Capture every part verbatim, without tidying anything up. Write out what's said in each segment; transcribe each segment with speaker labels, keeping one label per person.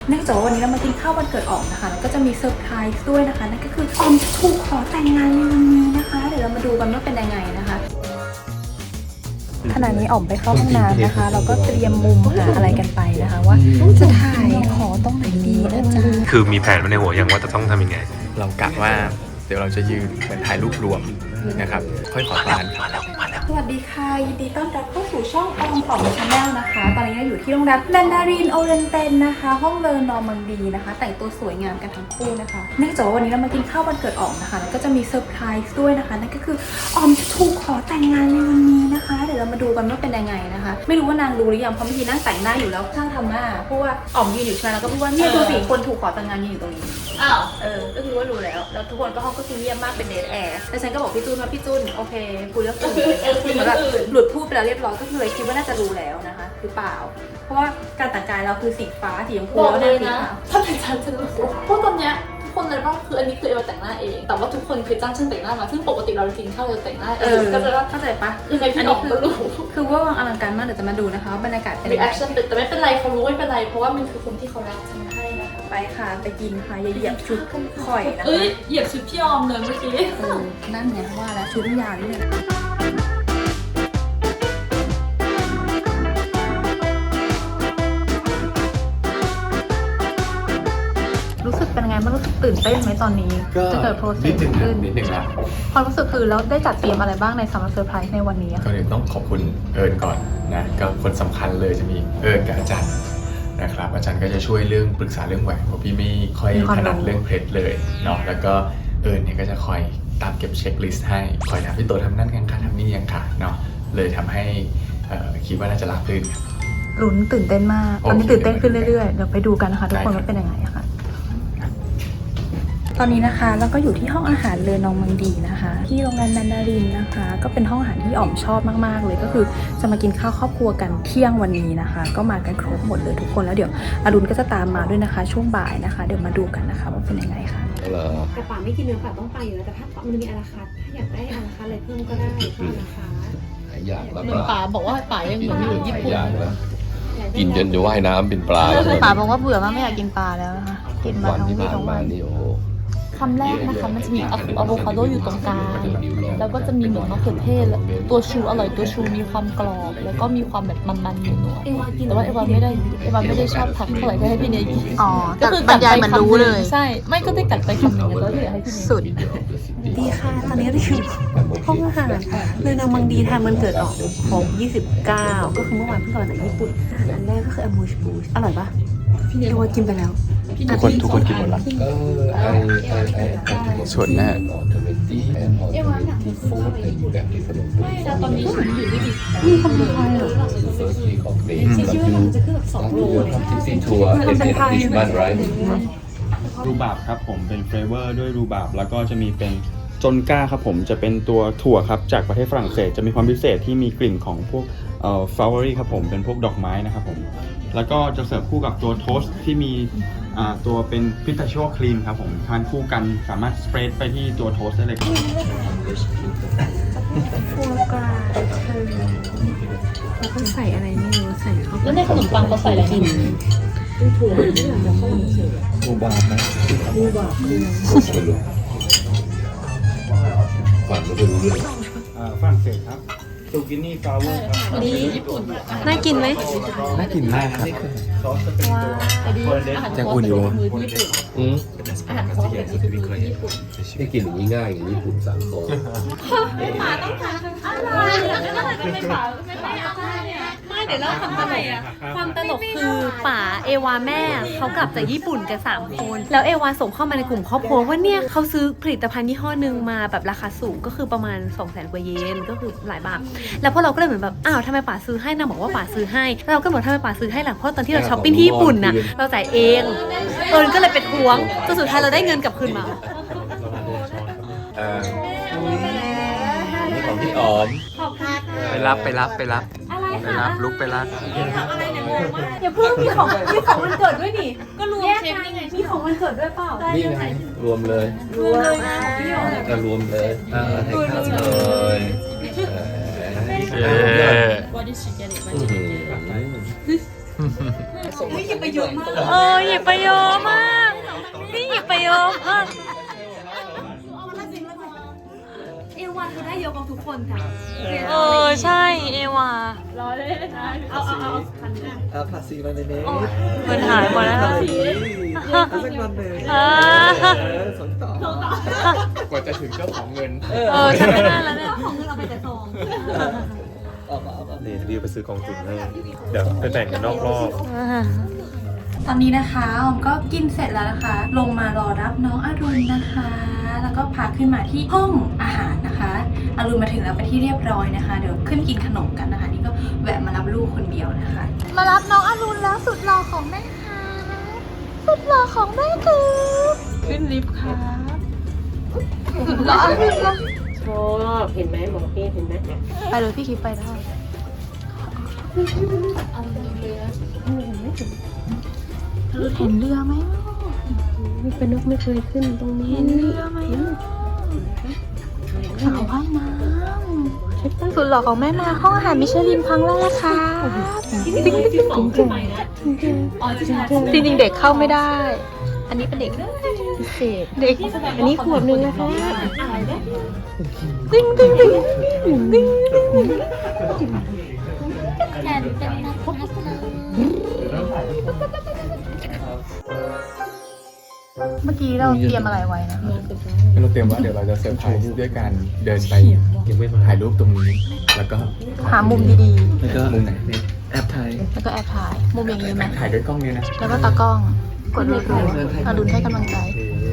Speaker 1: เนื่องจากว่าวันนี้เรามากินข้าววันเกิดออมนะคะแล้วก็จะมีเซอร์ไพรส์ด้วยนะคะนั่นก็คือออมจะถูกขอแต่งงานในวันนี้นะคะเดี๋ยวเรามาดูกันว่าเป็นยังไงนะคะขณะนี้ออมไปเข้าห้องน้ำนะคะเราก็เตรียมมุมหาอะไรกันไปนะคะว่าจะถ่ายขอตรงไหนดีนะจ๊ะ
Speaker 2: คือมีแผนไว้ในหัวยังว่าจะต้องทำยังไง
Speaker 3: เรากะว่าเดี๋ยวเราจะยืนเหมือนถ่ายรูปรวมนะครับค่อยขอทานครับ
Speaker 1: สวัสดีค่ะยินดีต้อนรับเข้าสู่ช่องออมออมชาแนลนะคะตอนนี้เราอยู่ที่โรงแรมแมนดารินโอเรนเตนนะคะห้องเลอนอร์มังดีนะคะแต่งตัวสวยงามกันทั้งคู่นะคะเนื่องจากว่าวันนี้เรามากินข้าววันเกิดออมนะคะแล้วก็จะมีเซอร์ไพรส์ด้วยนะคะนั่นก็คือออมจะถูกขอแต่งงานในวันนี้นะคะเดี๋ยวเรามาดูกันว่าเป็นยังไงนะคะไม่รู้ว่านางรู้หรือยังเพราะเมื่อกี้นั่งแต่งหน้าอยู่แล้วช่างทำหน้าเพราะว่าออมยืนอยู่ใช่ไหมแล้วก็พูดว่าเนี่ยดูสิคนถูกขอแต่งงานยืนอยู่ตรงนี้อ้าวเออก็คือว่ารู้แล้วแล้วทุกคนก็ห้องก็คือเงียบมากเป็นเดทแอร์แล้วฉันก็บอกพี่จูนว่าพี่จูนโอเคคุยเรื่องอื่นเหมือนแบบหลุดพูดไปแล้วเรียบร้อยก็เลยคิดว่าน่าจะรู้แล้วนะคะหรือเปล่าเพราะว่าการแต่งกายเราคือสีฟ้าสีชมพูแล้วสีขาว
Speaker 4: ถ้าเป็นฉันฉันรู้สึกเพราะตอนเนี้ยทุกคนเลยบ้างคืออันนี้คือเอวแต่งหน้าเองแต่ว่าทุกคนคือจ้างช่างแต่งหน้ามาซึ่งปกติเรากินข้าวเราแต่งหน้าเองก็จะว่า
Speaker 1: เข้าใจปะ
Speaker 4: คือในพี่ออกก็รู้
Speaker 1: คือว่าวางอลังการมากเดี๋ยวจะมาดูนะคะบรรยากาศเป็น
Speaker 4: reaction แต่ไม่เป็นไรเขารู้ไม่เป็นไรเพราะว่ามันคือคนที่เขารักฉันให้นะคะ
Speaker 1: ไปค่ะไปกินค่ะอย่าเหยียบชุดข่อยนะคะ
Speaker 4: เอ้ยเหยียบชุดพี่ออมเลยเมื่อกี้
Speaker 1: เออนั่นไงว่าแล้วชุดยาวนี่เลยรู้สึกเป็นไงบ้างรู้สึกตื่นเต้นไหมตอนนี้จะเกิดโปรเซสขึ้น
Speaker 3: นิดนึงนะ
Speaker 1: ความรู้สึกคือแล้วได้จัดเตรียมอะไรบ้างในซัมเมอร์เซอร์ไพรส์ในวันนี้
Speaker 3: ก็เลยต้องขอบคุณเอิญก่อนนะก็คนสำคัญเลยจะมีเอิญกับอาจารย์นะครับอาจารย์ก็จะช่วยเรื่องปรึกษาเรื่องแหวนเพราะพี่ไม่ค่อยถนัดเรื่องเพชรเลยเนาะแล้วก็เอิญเนี่ยก็จะคอยตามเก็บเช็คลิสต์ให้คอยถามพี่โตทำนั่นยังค่ะทำนี่ยังค่ะเนาะเลยทำให้คิดว่าน่าจะราบรื่น
Speaker 1: ลุ้นตื่นเต้นมากตอนนี้ตื่นเต้นขึ้นเรื่อยๆเดี๋ยวไปดูกันนะคะทุกคนว่าเป็นยังไงค่ะตอนนี้นะคะแล้วก็อยู่ที่ห้องอาหารเลอนองมังดีนะคะที่โรงแรมแมนดารินนะคะก็เป็นห้องอาหารที่อ๋อมชอบมากๆเลยก็คือจะมากินข้าวครอบครัวกันเที่ยงวันนี้นะคะก็มากันครบหมดเลยทุกคนแล้วเดี๋ยวอรุณก็จะตามมาด้วยนะคะช่วงบ่ายนะคะเดี๋ยวมาดูกันนะคะว่าเป็นยังไงค่ะ
Speaker 5: แต่ป่าไม่กินเนื้อป่าต้องไปอยู่แล้วแต่ถ้ามันมีอาราคาถ้าอยากได้อาราคาอะไรเพิ่มก็ได้อาราคา
Speaker 6: อยากแล้ว
Speaker 4: เหมือนป๋าบอกว่าป๋ายังเหมือนอยู่ญี่ปุ่น
Speaker 6: กินจนจะว่ายน้ำเป็นปลาแล้ว
Speaker 1: ป๋าบอกว่าเบื่อมากไม่อยากกินปลาแล้วนะคะกินมาทั้งวี่ทั้งวัน
Speaker 6: นี่โอ้
Speaker 4: คำแรกนะคะมันจะมีอะโวคาโดอยู่ตรงกลางแล้วก็จะมีเหมือนมะเขือเทศตัวชูอร่อยตัวชูมีความกรอบแล้วก็มีความแบบมันๆอยู่หน่อยแต่ว่าเอวาไม่ได้เอวาไม่ได้ชอบผักเท่าไหร่ก็ให้พี่เนยกิน
Speaker 1: อ๋อก็คือบรรยายมันรู้เลย
Speaker 4: ใช่ไม่ก็ได้กัดไปคำหนึ่งแล้วที่อยากให้พี่เนย
Speaker 1: สุด
Speaker 5: ดีค่ะตอนนี้เราอยู่ห้องอาหารเลยนางมังดีทานมันเกิดออกของยี่สิบเก้าก็คือเมื่อวานเพิ่งกลับมาจากญี่ปุ่นอันแรกก็คืออมูชบูชอร่อยปะพี่เนยว่ากินไปแล้ว
Speaker 3: ทุกคนทุกคนกินหมดแล้วส่วนแม่
Speaker 4: เอวาหนักที่ฟูไปไม่แต่ตอนนี้ฉันอยู่ที่ดี
Speaker 5: มีคนไทยเหรอฉันคิดว่ามันจะขึ้นแบบสองโลเลย
Speaker 6: มันเป็นไทย
Speaker 7: รูบาบครับผมเป็นเฟลเวอร์ด้วยรูบาบแล้วก็จะมีเป็นจนก้าครับผมจะเป็นตัวถั่วครับจากประเทศฝรั่งเศสจะมีความพิเศษที่มีกลิ่นของพวกเอ่อฟลาวเวอรี่ครับผมเป็นพวกดอกไม้นะครับผมแล้วก็จะเสิร์ฟคู่กับตัวโทสต์ที่มีอ่าตัวเป็นพิสตาชิโอครีมครับผมทานคู่กันสามารถสเปรดไปที่ตัวโทสต์ได้เลยครับ
Speaker 5: ฟัวกราเธอแล้วก็ใส่อะไรไม่รู้ใส่เข้าไป
Speaker 4: แล้วในขนมปังเขาใส่อะไรกิน
Speaker 5: ถั่วที่หลังจะเข้ามาเสิร์ฟ
Speaker 6: รูบาบนะ
Speaker 5: รูบาบคือ
Speaker 6: ไม่รู้ฝันไม่รู้เรื่อง
Speaker 7: ฝรั่งเศสครับซูกินี่ฟลาวเวอร์ครับ
Speaker 4: นี่ญี่ปุ่น
Speaker 5: น่ากินไหม
Speaker 3: น่ากินมากครับ
Speaker 4: ยังอุ่นอยู่เลย
Speaker 6: อืม
Speaker 4: อาหารเขาเป็นญี่ปุ่น
Speaker 6: ไม่กินอย่างนี้ง่ายอย่างญี่ปุ่นสั่งโต๊ะ
Speaker 4: ไม่ป๋าต้องทานอะไรไม่ป๋าไม่ป๋าไม่เดี๋ยวเราทำอะไรอ่ะ
Speaker 8: ความตลกคือป๋าเอวาแม่เขากลับจากญี่ปุ่นกันสามคนแล้วเอวาส่งเข้ามาในกลุ่มครอบครัวว่าเนี่ยเขาซื้อผลิตภัณฑ์ยี่ห้อหนึ่งมาแบบราคาสูงก็คือประมาณ สองแสน กว่าเยนก็คือหลายบาทแล้วพวกเราก็เลยเหมือนแบบอ้าวทำไมป๋าซื้อให้นางบอกว่าป๋าซื้อให้เราก็บอกทำไมป๋าซื้อให้ล่ะเพราะตอนที่เราช้อปปิ้งที่ญี่ปุ่นน่ะเราจ่ายเองเอิญก็เลยเป็นทวงจนสุดท้ายเราได้เงินกลับคืนมา
Speaker 6: นี่ของพี่ออม
Speaker 3: ไปรับไปรับไปรับไปรับลุกไปรับ
Speaker 8: อย่าเพิ่งมีของมีของวันเกิดด้วยนี่
Speaker 4: ก็รวมเช็คนี่ไง
Speaker 8: มีของวันเกิดด้วยเปล่า
Speaker 6: นี่ไงรวมเลย
Speaker 8: รวมเลยนะ
Speaker 6: ก็รวมเลยอ่าให้ข้าวเลย
Speaker 4: What did she get it?
Speaker 5: ไม่อย่าไปเยอะมาก
Speaker 8: เออหยิบไปเยอะมากนี่หยิบไปเยอะมากเอวาคือได้เยอะกว่าทุกคนค่ะเออใช่เอวา
Speaker 6: เอาภาษีมาในนี้
Speaker 8: เงินหายหมดแล้ว
Speaker 6: เอาสักวันหนึ่ง
Speaker 8: อ่า
Speaker 6: เออสนต่อก
Speaker 3: ว่าจะถึงเจ้าของเงิน
Speaker 8: เออฉันไม่ได้แล้วเนี่ย
Speaker 6: เอามาเอามา
Speaker 2: นี่ดิวไปซื้อกองทุนให้เดี๋ยวไปแบ่งกันนอกรอบ
Speaker 1: ตอนนี้นะคะออมก็กินเสร็จแล้วนะคะ ลงมารอรับน้องอรุณนะคะ แล้วก็พาขึ้นมาที่ห้องอาหารนะคะอรุณมาถึงแล้วไปนที่เรียบร้อยนะคะ เดี๋ยวขึ้นกินขนมกันนะคะ นี่ก็แวะมารับลูกคนเดียวนะคะ มารับน้องอรุณแล้วสุดหล่อของแม่ค่ะสุดหล่อของแม่คือขึ้นลิฟต์ค่ะสุดหล่ออรุณแล้ว
Speaker 5: ชอบเห็นไหมหมอพี่เห็นไหม
Speaker 1: ไปเลยพี่คิดไปได้เห็นเรือไหม
Speaker 5: ไม่เป็นนกไม่เคยขึ้นตรงนี้
Speaker 1: เห็นเรือไหมสาวว่ายน้ำสุดหล่อของแม่มาห้องอาหารมิชลินครั้งแรกค่ะจริงจริงจริงจริงเด็กเข้าไม่ได้ อันนี้เป็นเด็กพิเศษเด็ก
Speaker 5: อันนี้ขวบนึงนะคะ
Speaker 1: จริงจริงจริงจริง
Speaker 8: แทนเป็นนักพัฒนา
Speaker 1: เมื่อกี้เราเตรียมอะไรไว้นะ
Speaker 3: เราเตรียมว่าเดี๋ยวเราจะเซอร์ไพรส์ด้วยการเดินไปถ่ายรูปตรงนี้ แล้วก็
Speaker 1: หามุมดี
Speaker 6: แล้วก็
Speaker 3: มุมไหน
Speaker 6: แอปไทย
Speaker 1: ๆ แล้วก็แอบถ่าย มุมอย่างนี้ไหม
Speaker 3: ถ่ายด้วยกล้องนี้นะ
Speaker 1: แล้วก็ตากล้อง กดรัวๆอรุณให้กำลังใจ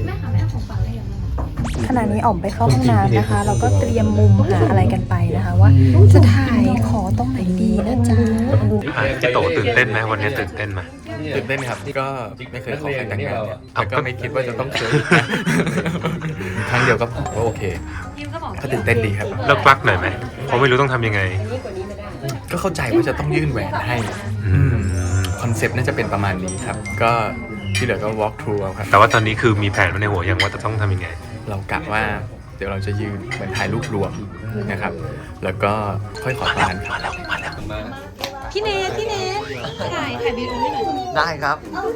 Speaker 1: ขณะนี้อ๋อมไปเข้าห้องน้ำนะคะ เราก็เตรียมมุมหาอะไรกันไปนะคะ ว่าจะถ่ายขอตรงไหนดีนะจ๊ะ
Speaker 2: อ่ะพี่โตตื่นเต้นไหมวันนี้ตื่นเต้นไหม
Speaker 3: ตื่นเต้นครับก็ไม่เคยขอใครแต่งงานเนี่ยแต่ก็ไม่คิดว่าจะต้องเคยครั้งเดียวก็พอก็โอเคก็ตื่นเต้นดีครับ
Speaker 2: เลิกลักหน่อยไหมเพราะไม่รู้ต้องทำยังไง
Speaker 3: ก็เข้าใจว่าจะต้องยื่นแหวนให้
Speaker 2: อืม
Speaker 3: คอนเซปต์น่าจะเป็นประมาณนี้ครับ ก็ที่เหลือก็ walk through เอาครับ
Speaker 2: แต่ว่าตอนนี้คือมีแผนไว้ในหัวยังว่าจะต้องทำยังไง
Speaker 3: เรากะว่าเดี๋ยวเราจะยืนเหมือนถ่ายรูปรวมนะครับ แล้วก็ค่อยขอตานครับ
Speaker 8: พี่เนทพี่เนทถ่ายถ่ายวิดีโอให้หน่อย
Speaker 6: ได้ครับ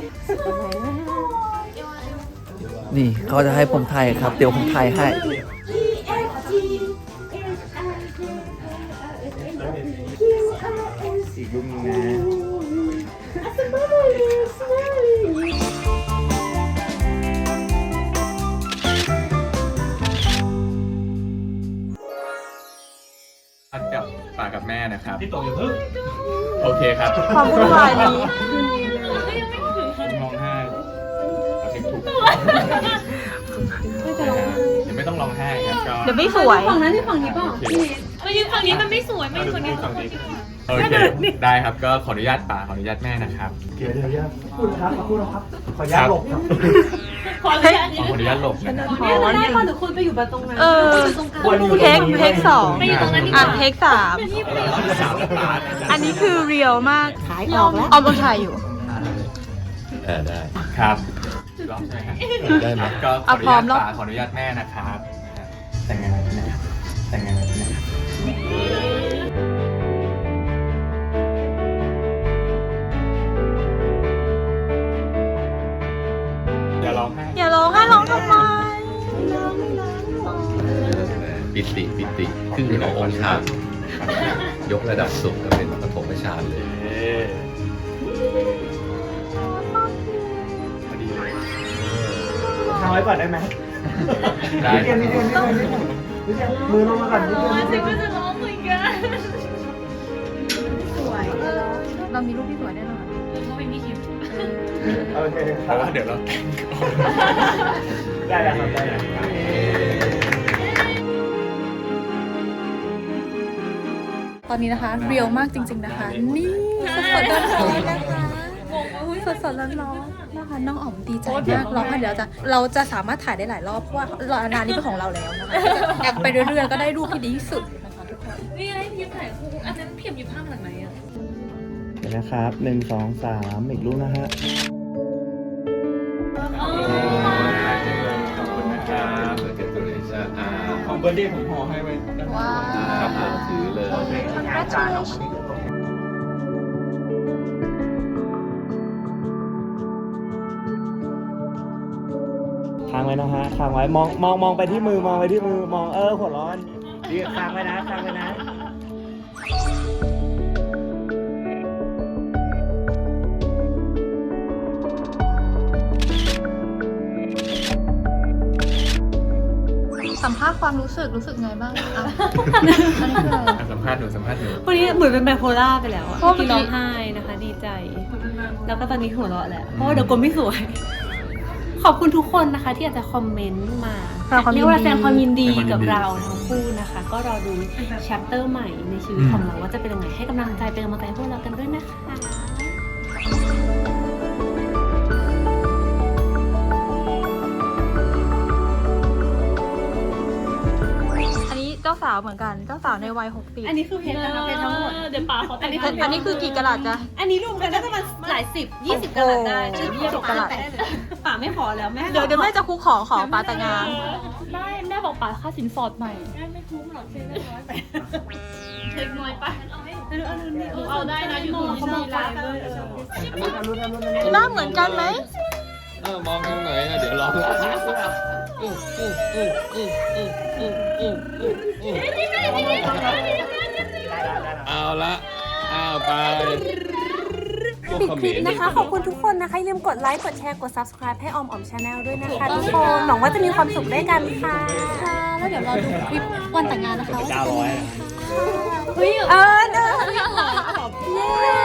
Speaker 6: นี่เขาจะให้ผมถ่ายครับ เดี๋ยวผมถ่ายให้
Speaker 3: อีกรูปนึงนะกับป่ากับแม่นะครับพี่โตอย่าเพิ่งโอเคครับ
Speaker 1: ความวุ่นวายนี้
Speaker 3: มองห้าเอาเช็คถูกเดี๋ยวไม่ต้องร้องไห้ครับก็
Speaker 1: เดี๋ยวไม่สวย
Speaker 8: ฝั่งนั้นที่ฝั่งนี้เปล่าพี่เนทมายืนฝั่งนี้มันไม่สวยมายืนฝั่งนี้
Speaker 3: ฝั่งนี้โอเคได้ครับก็ขออนุญาตป่าขออนุญาตแม่นะครับเดี๋ยวเดี๋ยวคุณครับคุณครับขออนุญาตหลบ
Speaker 8: ขออนุญาต
Speaker 3: ขออนุญาตหลบนะครับ
Speaker 8: ขออนุญาตก่อนหรือคุณไปอยู่ตรงนั้น
Speaker 1: เออ เทคเทคสอง
Speaker 8: ไปอยู่ตรงนั้นดีก
Speaker 1: อ่ะ
Speaker 8: ว่า
Speaker 1: เทคสาม
Speaker 3: สามป่า
Speaker 1: อันนี้คือเรียลมาก
Speaker 5: ขายออกแล้ว
Speaker 1: ออมต้องถ่ายอยู่
Speaker 2: ได้
Speaker 3: ครับร้องใช่ไหมครับ
Speaker 2: ได้ไหม
Speaker 3: ก็ขออนุ
Speaker 1: เอาพร้อ
Speaker 3: ญาม ต
Speaker 1: แล้ว
Speaker 3: ป่าขออนุญาตแม่นะครับแต่งงานนะครับแต่งงานนะครับอย่าร้องไห้
Speaker 1: อย่าร้องให้ร้องทำไม
Speaker 9: ปิติปิติขึ้นขององค์ฌานยกระดับสุขก็เป็นปฐมฌานเลย
Speaker 3: พอดีเลย
Speaker 6: ทำไว้ก่อนได้ไหม
Speaker 3: ได้
Speaker 6: มือลงมาก่อน
Speaker 8: เจ๊ก็จะร้องเหมือนกัน
Speaker 1: เรามีรูปที่สวยแน่นอน
Speaker 8: เขาไม่มีคลิป
Speaker 6: โอเค
Speaker 3: เพราะว่าเดี๋ยวเราแต่งก่อน
Speaker 6: ได้แล้วครับได้แล้ว
Speaker 1: ตอนนี้นะคะเรียลมากจริง ๆนะคะ นี่สดๆร้อนๆนะคะสดๆร้อนๆนะคะน้องอ๋อมดีใจมากเราเดี๋ยวจะเราจะสามารถถ่ายได้หลายรอบเพราะว่าร้านนี้เป็นของเราแล้วนะคะแอบไปเรื่อยๆก็ได้รูปที่ดีที่สุดนะคะทุกคน
Speaker 8: นี่ไงพี่ถ่ายคู่อันนั้นเพียบอยู่ภาพหลังไหนอ่ะ
Speaker 7: เดี๋ยวนะครับหนึ่งสองสามอีกรูปนะฮะ
Speaker 3: ขอบคุณนะครับ
Speaker 9: เกิดตัวเลชาอา
Speaker 3: ของเบอร์เดย์ผมห่อให้ไว้ด้านหลัง
Speaker 1: ว้าว
Speaker 9: ครับผมถือเลย
Speaker 1: Congratulations
Speaker 7: างไว้นะฮะค้างไว้มองมองมองไปที่มือมองไปที่มือมองเออหัวร้อนดีค้างไว้นะค้างไว้นะ
Speaker 1: สัมภาษณ์ความรู้สึกรู้สึกไงบ้างอ่ะอันนี้คืออะไร
Speaker 3: สัมภาษณ์หนูสัมภาษณ์หนู
Speaker 8: วันนี้เหมือนเป็นไบโพล่าไปแล้วอะ
Speaker 1: เพราะเมื่อกี้
Speaker 8: ที่ร้องไห้นะคะ ดีใจ แล้วก็ตอนนี้หัวเราะแหละเพราะว่าเดี๋ยวกลไม่สวย ขอบคุณทุกคนนะคะ ที่อาจจะคอมเมนต์มา
Speaker 1: แสดงความยินดี
Speaker 8: เรียกว่าแสดงความยินดี
Speaker 3: แสดงความยินดี
Speaker 8: กับเราทั้งคู่นะคะ ก็รอดูแชปเตอร์ใหม่ในชีวิตของเราว่าจะเป็นยังไงให้กำลังใจเป็นกำลังใจให้พวกเรากันด้วยนะคะ
Speaker 1: อันนี้เจ้าสาวเหมือนกันเจ้าสาวในวัยหกสิบ
Speaker 8: อันนี้คือเพชรนะคะเพชรทั้งหมดเดี๋ยวป๋าเขาแต่
Speaker 1: อัน
Speaker 8: ง
Speaker 1: นี้คืออันนี้คือกี่กะลัดจ๊ะ
Speaker 8: อันนี้รวมกันน่าจะประมาณหลายสิบยี่สิบกะลัดได้
Speaker 1: โอ้โห
Speaker 8: ชื่อยี่สิบกะลัดป๋าไม่ขอแล้วแม่
Speaker 1: เดี๋ยวเดี๋ยวแม่จะคุกขอขอปาแต่งงาน
Speaker 4: ได้แม่บอกป๋าค่าสินสอดใหม่
Speaker 8: ไม่คุ้มหรอกเช็คน้อยไปเช็คน้อยไปเอาเอานี่
Speaker 4: เอาได้นะอยู่ตรงนี้มีไลน์ด้วย
Speaker 1: หน้าเหมือนกันไหม
Speaker 9: เออมองทางไหนนะเดี๋ยวรอเอาละเอาไป
Speaker 8: ปิดคลิปนะคะ ขอบคุณทุกคนนะคะอย่าลืมกดไลค์ กดแชร์ กด ซับสไครบ์ ให้ออมออมชาแนลด้วยนะคะทุกคน หวังว่าจะมีความสุขด้วยกันค่ะ
Speaker 4: ค่ะ แล้วเดี๋ยวเราดูคลิปวันแต่งงานนะคะว่าจะเป็นยังไงค่ะ
Speaker 8: เฮ้ยเออเออเย้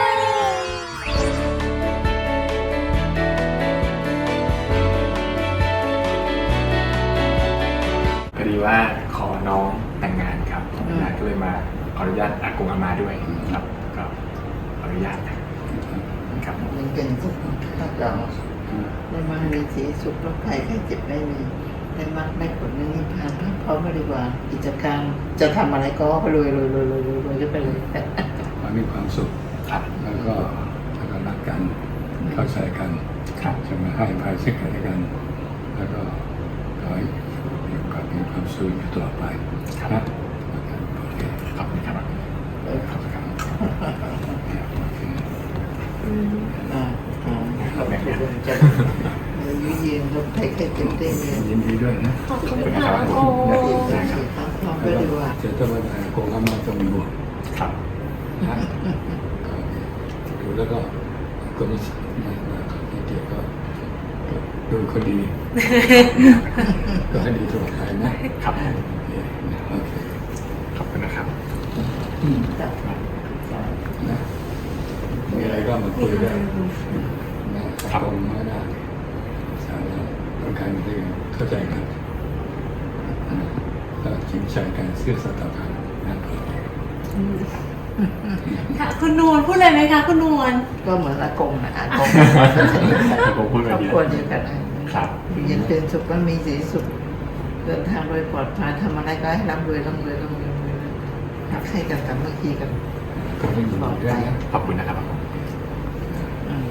Speaker 3: พอดีว่าขอน้องแต่งงานครับนะก็เลยมาขออนุญาตอากงอามาด้วยครับก็ขออนุญาตนะครับ
Speaker 10: มันเป็นสุขภาพเราได้มามีสีสุขโรคภัยไข้เจ็บไม่มีได้มากได้ผลในนิพพานพร้อมบริวารกิจการจะทำอะไรก็รวยรวยรวยรวยรวยรวยก็ไปเลย
Speaker 11: ขอให้มีความสุข
Speaker 3: ครับ
Speaker 11: แล้วก็แล้วก็รักกันเข้าใจกัน
Speaker 3: ครับ
Speaker 11: จะมาให้อภัยซึ่งกันและกัน แล้วก็ขอให้มีความมีความสุขอยู่ตลอดไปนะโอเค
Speaker 3: ขอบคุณครับขอบคุณครับ
Speaker 11: โอเคโอเค
Speaker 10: อ่าอ่าขอบคุณจะอายุยืนโรคภัยไข้เจ็บได้เงิน
Speaker 11: ยินดีด้วยนะ
Speaker 8: ขอบคุณค่ะโอ้
Speaker 10: ได้ครับพร้อมบริวาร
Speaker 11: เจอตัววันไหนคงทำมาต้องมีบวก
Speaker 3: ครับ
Speaker 11: นะดูแล้วก็ก็มีนะนะที่เกี่ยวก็ดูคนดี ก็ให้ดีตลอดไปนะครับ โอเคนะโอเค
Speaker 3: ขอบคุณนะครับ
Speaker 11: นะมีอะไรก็มาคุยได้นะครับตรงไม่ได้สาระต้องการที่เข้าใจกันก็จริงใจกันซื่อสัตย์ต่อกันนะโอเค
Speaker 8: ค่ะคุณนวลพูดเลยไหมคะคุณนวล
Speaker 10: ก็เหมือนอากงนะอากง
Speaker 3: อากงพูด
Speaker 10: ค
Speaker 3: ไป
Speaker 10: รอบ
Speaker 3: ดี
Speaker 10: ครัวเดียวกันนะครับ อยู่เย็นเป็นสุขก็มีสีสุขเดินทางโดยปลอดภัยทำอะไรก็ให้ร่ำรวยร่ำรวยร่ำรวยร่ำรวยรักใครกันสามัคคีกัน
Speaker 11: ก็ไม่มีบอกด้วยนะ
Speaker 3: ขอบคุณนะครับ
Speaker 10: อืม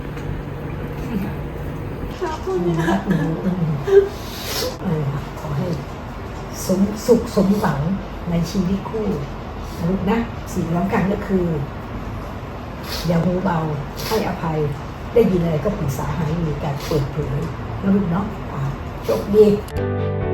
Speaker 12: ขอให้สมสุขสมหวังในชีวิตคู่นะลูกนะสิ่งสำคัญก็คือ อย่าหูเบาให้อภัยได้ยินอะไรก็ปรึกษาหารือกันเปิดเผยนะลูกเนาะอ่าโชคดี